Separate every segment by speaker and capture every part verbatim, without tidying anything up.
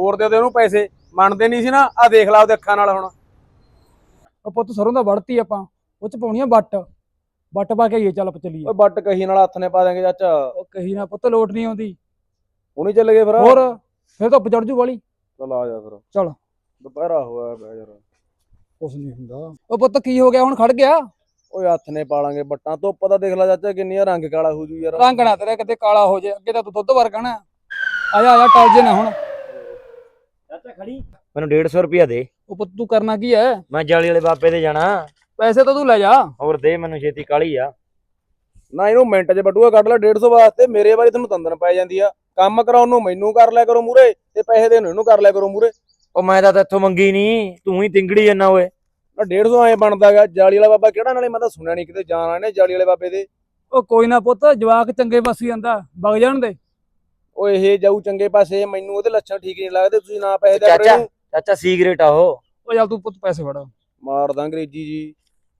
Speaker 1: ਹੋਰ ਦੇ ਦੇ ਉਹਨੂੰ ਪੈਸੇ। ਮੰਨਦੇ ਨਹੀਂ ਸੀ ਨਾ, ਆ ਦੇਖ ਲਾ ਉਹਦੇ ਅੱਖਾਂ ਨਾਲ ਹੁਣ।
Speaker 2: ਉਹ ਪੁੱਤ ਸਰੋਂ ਦਾ ਵੜਤੀ ਆਪਾਂ, ਉਹ ਚ ਪਾਉਣੀ ਆ ਵੱਟ। ਵੱਟ ਪਾ ਕੇ ਆਈਏ, ਚੱਲ ਆਪਾਂ ਚੱਲੀਏ।
Speaker 1: ਓਏ ਬੱਟ ਕਹੀ ਨਾਲ ਹੱਥ ਨੇ ਪਾ ਦੇਂਗੇ ਚਾਚਾ।
Speaker 2: ਉਹ ਕਹੀ ਨਾ ਪੁੱਤ ਲੋਟ ਨਹੀਂ ਆਉਂਦੀ।
Speaker 1: ਹੁਣੀ ਚੱਲ ਗਏ ਫਿਰ।
Speaker 2: ਹੋਰ ਫਿਰ ਧੁੱਪ ਚੜ ਜੂ ਵਾਲੀ।
Speaker 1: ਚੱਲ ਆ ਜਾ ਫਿਰ,
Speaker 2: ਚੱਲ।
Speaker 1: ਦੁਪਹਿਰਾ ਹੋਇਆ ਪਿਆ ਯਾਰ।
Speaker 2: ਕੁਛ ਨਹੀਂ ਹੁੰਦਾ। ਉਹ ਪੁੱਤ ਕੀ ਹੋ ਗਿਆ, ਹੁਣ ਖੜ ਗਿਆ?
Speaker 1: ਓਏ ਹੱਥ ਨੇ ਪਾਲਾਂਗੇ ਬੱਟਾਂ, ਧੁੱਪ ਦਾ ਦੇਖ ਲੈ ਚਾਚਾ ਕਿੰਨੀ ਆ, ਰੰਗ ਕਾਲਾ ਹੋ ਜੂ ਯਾਰ।
Speaker 2: ਰੰਗ ਨਾ ਤੇਰਾ ਕਿਤੇ ਕਾਲਾ ਹੋ ਜਾਏ, ਅੱਗੇ ਤਾਂ ਤੂੰ ਦੁੱਧ ਵਰਗਾ ਨਾ। ਆ ਜਾ ਆ ਜਾ, ਟਲ ਜੇ ਨਾ ਹੁਣ।
Speaker 3: ਚਾਚਾ ਖੜੀ, ਮੈਨੂੰ ਡੇਢ ਸੌ ਰੁਪਇਆ ਦੇ।
Speaker 2: ਉਹ ਪੁੱਤ ਤੂੰ ਕਰਨਾ ਕੀ ਹੈ?
Speaker 3: ਮੈਂ ਜਾਲੀ ਵਾਲੇ ਬਾਬੇ ਦੇ ਜਾਣਾ।
Speaker 2: ਪੈਸੇ ਤਾਂ ਤੂੰ ਲੈ ਜਾ।
Speaker 3: ਹੋਰ ਦੇ ਮੈਨੂੰ ਛੇਤੀ, ਕਾਲੀ ਆ।
Speaker 1: ਨਾ ਇਹਨੂੰ ਮਿੰਟ 'ਚ ਬਟੂਆ ਕੱਢ ਲੈ ਡੇਢ ਸੌ ਵਾਸਤੇ, ਮੇਰੇ ਵਾਰੀ ਤੈਨੂੰ ਤੰਦਨ ਪੈ ਜਾਂਦੀ ਆ। ਕੰਮ ਕਰਾਉਣ ਨੂੰ ਮੈਨੂੰ ਕਰ ਲਿਆ ਕਰੋ ਮੂਰੇ, ਤੇ ਪੈਸੇ ਦੇਣ ਨੂੰ ਇਹਨੂੰ ਕਰ ਲਿਆ ਕਰੋ ਮੂਰੇ।
Speaker 3: ਉਹ ਮੈਂ ਤਾਂ ਤੇਥੋਂ ਮੰਗੀ ਨਹੀਂ, ਤੂੰ ਹੀ ਤਿੰਗੜੀ ਜੰਨਾ ਓਏ।
Speaker 1: ਨਾ ਡੇਢ ਸੌ ਐ ਬਣਦਾਗਾ। ਜਾਲੀ ਵਾਲਾ ਬਾਬਾ ਕਿਹੜਾ, ਨਾਲੇ ਮੈਂ ਤਾਂ ਸੁਣਿਆ ਨਹੀਂ ਕਿਤੇ ਜਾਣਾ ਇਹਨੇ ਜਾਲੀ ਵਾਲੇ ਬਾਬੇ ਦੇ।
Speaker 2: ਉਹ ਕੋਈ ਨਾ ਪੁੱਤ, ਜਵਾਕ ਚੰਗੇ ਪਾਸੇ ਜਾਂਦਾ, ਵਗ ਜਾਣ ਦੇ।
Speaker 1: ਉਹ ਇਹ ਜਾਊ ਚੰਗੇ ਪਾਸੇ, ਮੈਨੂੰ ਉਹਦੇ ਲੱਛਣ ਠੀਕ ਨਹੀਂ ਲੱਗਦੇ। ਤੁਸੀਂ ਨਾ ਪੈਸੇ ਦੇ
Speaker 3: ਚਾਚਾ ਚਾਚਾ ਸਿਗਰਟ ਆ ਉਹ।
Speaker 2: ਉਹ ਚੱਲ ਤੂੰ ਪੁੱਤ ਪੈਸੇ ਫੜ।
Speaker 1: ਮਾਰਦਾ ਅੰਗਰੇਜ਼ੀ ਜੀ।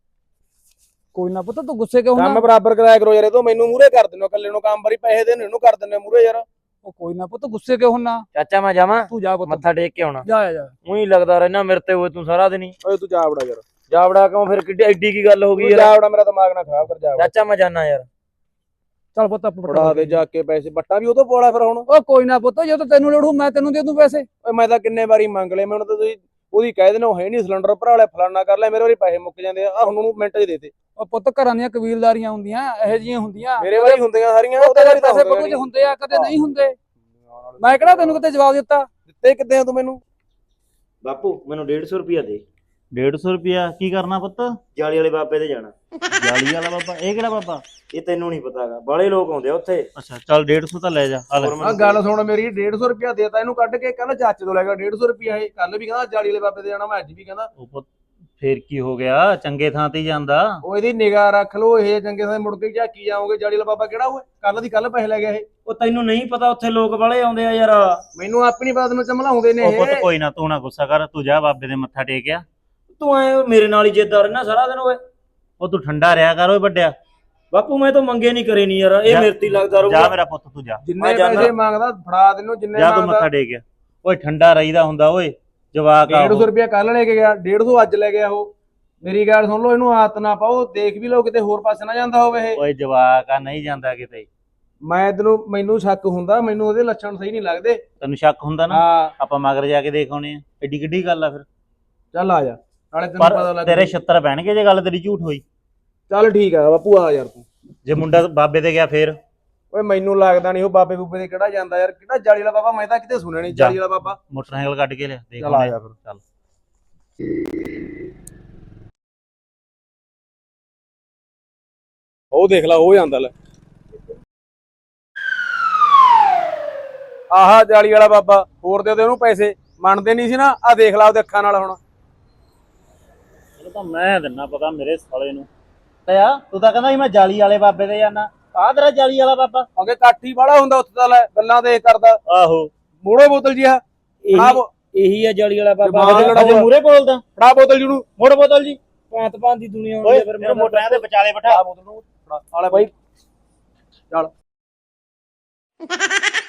Speaker 2: ਕੋਈ ਨਾ ਪੁੱਤ, ਤੂੰ ਗੁੱਸੇ ਕਿਉਂ
Speaker 1: ਕੰਮ
Speaker 2: ਹੁੰਦਾ?
Speaker 1: ਬਰਾਬਰ ਕਰਾਇਆ ਕਰੋ ਯਾਰ, ਇਹ ਤੋਂ ਮੈਨੂੰ ਮੂਰੇ ਕਰ ਦਿੰਦੇ ਹੋ ਇਕੱਲੇ ਨੂੰ ਕੰਮ, ਵਾਰੀ ਪੈਸੇ ਦੇਣ ਇਹਨੂੰ ਕਰ ਦਿੰਦੇ ਮੂਰੇ ਯਾਰ।
Speaker 2: ਉਹ ਕੋਈ ਨਾ ਪੁੱਤ, ਗੁੱਸੇ ਕਿਉਂ ਹੁੰਦਾ?
Speaker 3: ਚਾਚਾ ਮੈਂ ਜਾਵਾਂ,
Speaker 2: ਤੂੰ ਜਾ ਪੁੱਤ,
Speaker 3: ਮੱਥਾ ਟੇਕ ਕੇ ਆਉਣਾ।
Speaker 2: ਜਾ ਜਾ।
Speaker 3: ਉਹੀ ਲੱਗਦਾ ਰਹਿਣਾ ਮੇਰੇ ਤੇ ਹੋਏ ਤੂੰ ਸਾਰਾ ਦਿਨ ਹੀ।
Speaker 1: ਓਏ ਤੂੰ ਜਾ ਵੜਾ ਯਾਰ,
Speaker 3: ਜਾਵੜਾ ਕਿਉਂ ਫਿਰ, ਕਿੱਡੀ ਐਡੀ ਕੀ ਗੱਲ ਹੋ ਗਈ
Speaker 1: ਜਾ
Speaker 3: ਯਾਰ?
Speaker 1: ਵੜਾ, ਮੇਰਾ ਦਿਮਾਗ ਨਾ ਖਰਾਬ ਕਰ। ਜਾ
Speaker 3: ਚਾਚਾ ਮੈਂ ਜਾਣਾ ਯਾਰ।
Speaker 2: ਚੱਲ ਪੁੱਤ ਆਪਾਂ
Speaker 1: ਫੜਾ ਦੇ ਜਾ ਕੇ ਪੈਸੇ, ਬੱਟਾ ਵੀ ਉਹ ਤੋਂ ਪੋਲਾ ਫਿਰ ਹੁਣ।
Speaker 2: ਉਹ ਕੋਈ ਨਾ ਪੁੱਤ, ਜੇ ਤੈਨੂੰ ਲੋੜ ਹੋ ਮੈਂ ਤੈਨੂੰ ਦੇ ਦੂੰ ਪੈਸੇ।
Speaker 1: ਓਏ ਮੈਂ ਤਾਂ ਕਿੰਨੇ ਵਾਰੀ ਮੰਗ ਲਏ, ਮੈਨੂੰ ਤਾਂ ਤੁਸੀਂ ਉਹਦੀ ਕਹਿ ਦੇਣਾ ਉਹ ਹੈ ਨਹੀਂ ਸਿਲੰਡਰ ਭਰਾ ਲਿਆ, ਫਲਾਨਾ ਕਰ ਲਿਆ, ਮੇਰੇ ਵਾਰੀ ਪੈਸੇ ਮੁੱਕ ਜਾਂਦੇ ਆ। ਆ ਹੁਣ ਉਹਨੂੰ ਮਿੰਟ 'ਚ ਦੇਤੇ।
Speaker 2: ਉਹ ਪੁੱਤ ਘਰਾਂ ਦੀਆਂ ਕਬੀਲਦਾਰੀਆਂ ਹੁੰਦੀਆਂ, ਇਹੋ ਜਿਹੀਆਂ ਹੁੰਦੀਆਂ।
Speaker 1: ਮੇਰੇ ਵਾਰੀ ਹੁੰਦੀਆਂ ਸਾਰੀਆਂ,
Speaker 2: ਉਹ
Speaker 1: ਉਹਦੇ
Speaker 2: ਤੇਰੇ
Speaker 1: ਵਾਰੀ ਤਾਂ
Speaker 2: ਪੈਸੇ ਬਟੂ 'ਚ ਹੁੰਦੇ ਆ, ਕਦੇ ਨਹੀਂ ਹੁੰਦੇ। ਮੈਂ ਕਿਹੜਾ ਤੈਨੂੰ ਕਿਤੇ ਜਵਾਬ ਦਿੱਤਾ?
Speaker 1: ਦਿੱਤੇ ਕਿੱਦੇ ਆ ਤੂੰ ਮੈਨੂੰ?
Speaker 3: ਬਾਪੂ ਮੈਨੂੰ ਡੇਢ ਸੌ ਰੁਪਇਆ ਦੇ।
Speaker 4: ਡੇਢ ਸੌ ਰੁਪਇਆ ਕੀ ਕਰਨਾ ਪੁੱਤ?
Speaker 3: ਜਾਲੀ ਵਾਲੇ ਬਾਬੇ ਦੇ ਜਾਣਾ।
Speaker 4: ਜਾਲੀ ਵਾਲਾ ਬਾਬਾ? ਇਹ ਕਿਹੜਾ ਬਾਬਾ?
Speaker 3: ਇਹ ਤੈਨੂੰ ਨਹੀਂ ਪਤਾਗਾ, ਬਾਲੇ ਲੋਕ ਆਉਂਦੇ ਆ ਉੱਥੇ।
Speaker 4: ਅੱਛਾ ਚੱਲ ਡੇਢ ਸੌ ਤਾਂ ਲੈ ਜਾ। ਆ ਲੈ।
Speaker 1: ਆ ਗੱਲ ਸੁਣ ਮੇਰੀ, ਡੇਢ ਸੌ ਰੁਪਇਆ ਦੇਤਾ ਇਹਨੂੰ ਕੱਢ ਕੇ, ਕੱਲ ਚਾਚੇ ਤੋਂ ਲੈ ਗਿਆ ਡੇਢ ਸੌ ਰੁਪਇਆ। ਇਹ ਕੱਲ ਵੀ ਕਹਿੰਦਾ ਜਾਲੀ ਵਾਲੇ ਬਾਬੇ ਦੇ ਜਾਣਾ, ਮੈਂ ਅੱਜ ਵੀ ਕਹਿੰਦਾ।
Speaker 4: ਉਹ ਪੁੱਤ ਫੇਰ ਕੀ ਹੋ ਗਿਆ, ਚੰਗੇ ਥਾਂ ਤੇ ਹੀ ਜਾਂਦਾ।
Speaker 1: ਉਹ ਇਹਦੀ ਨਿਗਾਹ ਰੱਖ ਲੋ, ਇਹ ਚੰਗੇ ਥਾਂ ਮੁੜ ਕੇ ਝਾਕੀ ਜਾਓਗੇ। ਜਾਲੀ ਵਾਲਾ ਬਾਬਾ ਕਿਹੜਾ ਹੋਏ, ਕੱਲ ਦੀ ਕੱਲ ਪੈਸੇ ਲੈ ਗਿਆ ਇਹ।
Speaker 3: ਉਹ ਤੈਨੂੰ ਨਹੀਂ ਪਤਾ ਉੱਥੇ ਲੋਕ ਬਾਲੇ ਆਉਂਦੇ ਆ ਯਾਰ।
Speaker 1: ਮੈਨੂੰ ਆਪਣੀ ਬਾਤ ਨੂੰ ਚਮਲਾਉਂਦੇ ਨੇ
Speaker 4: ਉਹ
Speaker 1: ਇਹ।
Speaker 4: ਪੁੱਤ ਕੋਈ ਨਾ, ਤੂੰ ਨਾ ਗੁੱਸਾ ਕਰ, ਤੂੰ ਜਾ ਬਾਬੇ ਦੇ ਮੱਥਾ ਟੇਕਿਆ।
Speaker 3: ਤੂੰ ਐ ਮੇਰੇ ਨਾਲ ਹੀ ਜਿੱਦਾਂ ਰਹਿਣਾ ਸਾਰਾ ਦਿਨ ਓਏ।
Speaker 4: ਉਹ ਤੂੰ ਠੰਡਾ ਰਿਹਾ ਕਰ ਓਏ ਵੱਡਿਆ।
Speaker 3: ਬਾਪੂ ਮੈਂ ਤਾਂ ਮੰਗੇ ਨਹੀਂ ਕਰੇ ਨਹੀਂ ਯਾਰ, ਇਹ
Speaker 4: ਜਾ-
Speaker 3: ਮੇਰੇ ਤੇ ਹੀ ਲੱਗਦਾ
Speaker 4: ਜਾ
Speaker 3: ਰਹੂਗਾ।
Speaker 4: ਮੇਰਾ ਪੁੱਤ ਤੂੰ ਜਾ।
Speaker 1: ਜਿੰਨੇ
Speaker 3: ਮੈਂ ਜਾਨਾ।
Speaker 1: ਪੈਸੇ ਮੰਗਦਾ ਫੜਾ ਦੇਨੂੰ, ਜਿੰਨੇ
Speaker 4: ਜਾ ਤੂੰ
Speaker 1: ਮੰਗਦਾ।
Speaker 4: ਮੱਥਾ ਟੇਕਿਆ। ਓਏ ਠੰਡਾ ਰਹੀਦਾ ਹੁੰਦਾ ਓਏ, ਜਵਾਕ ਆ
Speaker 1: ਡੇਢ
Speaker 4: ਉਹ।
Speaker 1: ਸੌ ਰੁਪਇਆ ਕੱਲ ਲੈ ਕੇ ਗਿਆ, ਡੇਢ ਸੌ ਅੱਜ ਲੈ ਗਿਆ ਉਹ। ਮੇਰੀ ਗੱਲ ਸੁਣ ਲਓ, ਇਹਨੂੰ ਆਦਤ ਨਾ ਪਾਓ, ਦੇਖ ਵੀ ਲਓ ਕਿਤੇ ਹੋਰ ਪਾਸੇ ਨਾ ਜਾਂਦਾ ਹੋਵੇ ਇਹ।
Speaker 4: ਓਏ ਜਵਾਕ ਆ, ਨਹੀਂ ਜਾਂਦਾ ਕਿਤੇ।
Speaker 1: ਮੈਂ ਤੈਨੂੰ, ਮੈਨੂੰ ਸ਼ੱਕ ਹੁੰਦਾ, ਮੈਨੂੰ ਉਹਦੇ ਲੱਛਣ ਸਹੀ ਨਹੀਂ ਲੱਗਦੇ।
Speaker 4: ਤੈਨੂੰ ਸ਼ੱਕ ਹੁੰਦਾ ਨਾ,
Speaker 1: ਹਾਂ
Speaker 4: ਆਪਾਂ ਮਗਰ ਜਾ ਕੇ ਦੇਖ ਆਉਣੇ ਆ। ਐਡੀ ਕਿੱਡੀ ਗੱਲ ਆ ਫਿਰ।
Speaker 1: ਚੱਲ ਆ ਜਾ, ਨਾਲੇ ਤੈਨੂੰ ਪਤਾ
Speaker 4: ਪਰ
Speaker 1: ਲੱਗ।
Speaker 4: ਤੇਰੇ ਛਿੱਤਰ ਪੈਣਗੇ ਜੇ ਗੱਲ ਤੇਰੀ ਝੂਠ ਹੋਈ।
Speaker 1: ਚੱਲ ਠੀਕ ਆ ਬਾਪੂ, ਆ ਯਾਰ ਤੂੰ।
Speaker 4: ਜੇ ਮੁੰਡਾ ਬਾਬੇ ਤੇ ਗਿਆ ਫੇਰ?
Speaker 1: ਓਏ ਮੈਨੂੰ ਲੱਗਦਾ ਨਹੀਂ ਉਹ ਬਾਬੇ ਬੂਬੇ ਦੇ ਕਿਹੜਾ ਜਾਂਦਾ ਯਾਰ। ਕਿਹੜਾ ਜਾਲੀ ਵਾਲਾ ਬਾਬਾ, ਮੈਂ ਤਾਂ ਕਿਤੇ ਸੁਣਿਆ ਨਹੀਂ ਜਾਲੀ ਵਾਲਾ ਬਾਬਾ।
Speaker 4: ਮੋਟਰਸਾਈਕਲ ਕੱਢ ਕੇ ਲਿਆ, ਦੇਖ
Speaker 1: ਚੱਲ ਆ
Speaker 4: ਆਉਂਦੇ
Speaker 1: ਜਾ
Speaker 4: ਆ।
Speaker 1: ਫਿਰ।
Speaker 4: ਚੱਲ।
Speaker 1: ਉਹ ਦੇਖ ਲਾ, ਉਹ ਜਾਂਦਾ ਲੈ। ਆਹਾ ਜਾਲੀ ਵਾਲਾ ਬਾਬਾ, ਹੋਰ ਦੇ ਦੇ ਉਹਨੂੰ ਪੈਸੇ। ਮੰਨਦੇ ਨਹੀਂ ਸੀ ਨਾ, ਆ ਦੇਖ ਲਾ ਉਹਦੇ ਅੱਖਾਂ ਨਾਲ ਹੁਣ।
Speaker 4: ਇਹ ਤਾਂ ਮੈਂ ਦਿੰਨਾ ਪਤਾ ਮੇਰੇ ਸਾਲੇ ਨੂੰ। ਪਿਆ ਤੂੰ ਤਾਂ ਕਹਿੰਦਾ ਸੀ ਮੈਂ ਜਾਲੀ ਵਾਲੇ ਬਾਬੇ ਦੇ ਜਾਣਾ। ਆਹ ਤੇਰਾ ਜਾਲੀ ਵਾਲਾ ਬਾਬਾ?
Speaker 1: ਅੱਗੇ ਕਾਠੀ ਵਾਲਾ ਹੁੰਦਾ ਉੱਥੇ ਤਾਂ, ਲੈ ਗੱਲਾਂ ਤੇ ਕਰਦਾ।
Speaker 4: ਆਹੋ
Speaker 1: ਮੋੜੋ ਬੋਤਲ ਜੀ ਆ। ਫੜਾ ਬੋ-
Speaker 3: ਇਹੀ ਆ ਜਾਲੀ ਵਾਲਾ ਬਾਬਾ।
Speaker 1: ਜਮਾਨ
Speaker 3: ਅਜੇ-
Speaker 1: ਲੜਾ
Speaker 3: ਅਜੇ
Speaker 1: ਹੋਇਆ।
Speaker 3: ਮੂਰੇ ਬੋਲਦਾ।
Speaker 1: ਫੜਾ ਬੋਤਲ ਜੀ ਨੂੰ।
Speaker 4: ਮੋੜ ਬੋਤਲ ਜੀ।
Speaker 3: ਭਾਂਤ ਭਾਂਤ ਦੀ ਦੁਨੀਆ ਆਉਂਦੀ
Speaker 4: ਓਏ
Speaker 3: ਆ ਫਿਰ
Speaker 4: ਮੇਰੇ ਮੋਟਰਾਂ ਦੇ ਵਿਚਾਲੇ ਬਿਠਾ।
Speaker 1: ਬੋਤਲ ਨੂੰ ਫੜਾ ਆਲੇ ਬਾਈ। ਚੱਲ